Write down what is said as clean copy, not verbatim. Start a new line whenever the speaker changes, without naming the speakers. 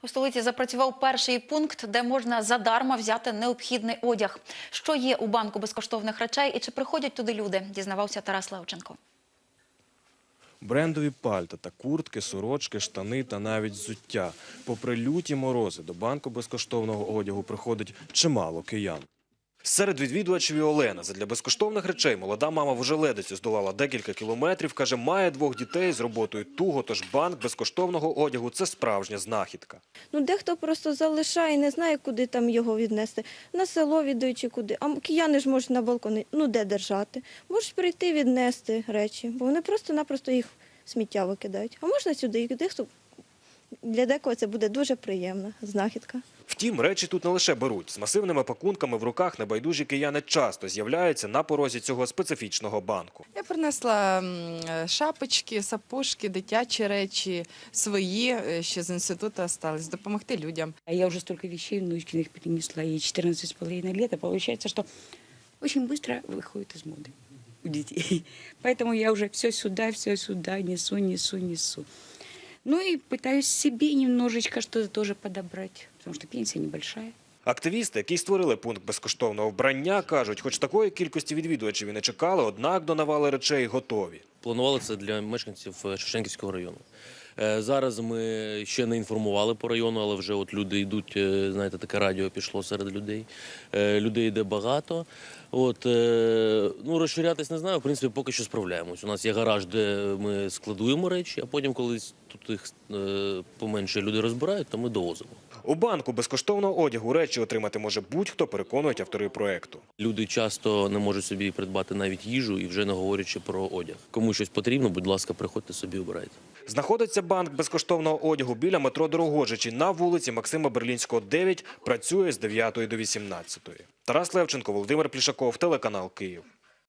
У столиці запрацював перший пункт, де можна задарма взяти необхідний одяг. Що є у банку безкоштовних речей і чи приходять туди люди, дізнавався Тарас Левченко.
Брендові пальта та куртки, сорочки, штани та навіть взуття. Попри люті морози, до банку безкоштовного одягу приходить чимало киян. Серед відвідувачів і Олена. Задля безкоштовних речей молода мама в Ожеледицю здолала декілька кілометрів. Каже, має 2 дітей, з роботою туго, тож банк безкоштовного одягу – це справжня знахідка.
Дехто просто залишає, не знає, куди там його віднести. На село віддають чи куди. А кияни ж можуть на балконі, де держати. Можуть прийти віднести речі, бо вони просто-напросто їх в сміття викидають. А можна сюди, для декого це буде дуже приємна знахідка.
Втім, речі тут не лише беруть. З масивними пакунками в руках небайдужі кияни часто з'являються на порозі цього специфічного банку.
Я принесла шапочки, сапожки, дитячі речі, свої, ще з інституту залишились, допомогти людям.
Я уже столько вещей внучкиных перенесла, ей 14,5 лет, а получается, что очень быстро выходит из моды у детей. Поэтому я уже все сюда несу. Ну и пытаюсь себе немножечко что-то тоже подобрать, потому что пенсия небольшая.
Активісти, які створили пункт безкоштовного вбрання, кажуть, хоч такої кількості відвідувачів і не чекали, однак до навали речей готові.
Планували це для мешканців Шевченківського району. Зараз ми ще не інформували по району, але вже от люди йдуть, знаєте, таке радіо пішло серед людей. Людей йде багато. Розширятись не знаю, в принципі, поки що справляємось. У нас є гараж, де ми складуємо речі, а потім, коли тут їх поменше люди розбирають, то ми довозимо.
У банку безкоштовного одягу речі отримати може будь-хто, переконують автори проєкту.
Люди часто не можуть собі придбати навіть їжу і вже не говорячи про одяг. Кому щось потрібно, будь ласка, приходьте собі, обирайте.
Знаходиться банк безкоштовного одягу біля метро Дорогожичі на вулиці Максима Берлінського, 9, працює з 9 до 18. Тарас Левченко, Володимир Плішаков, телеканал «Київ».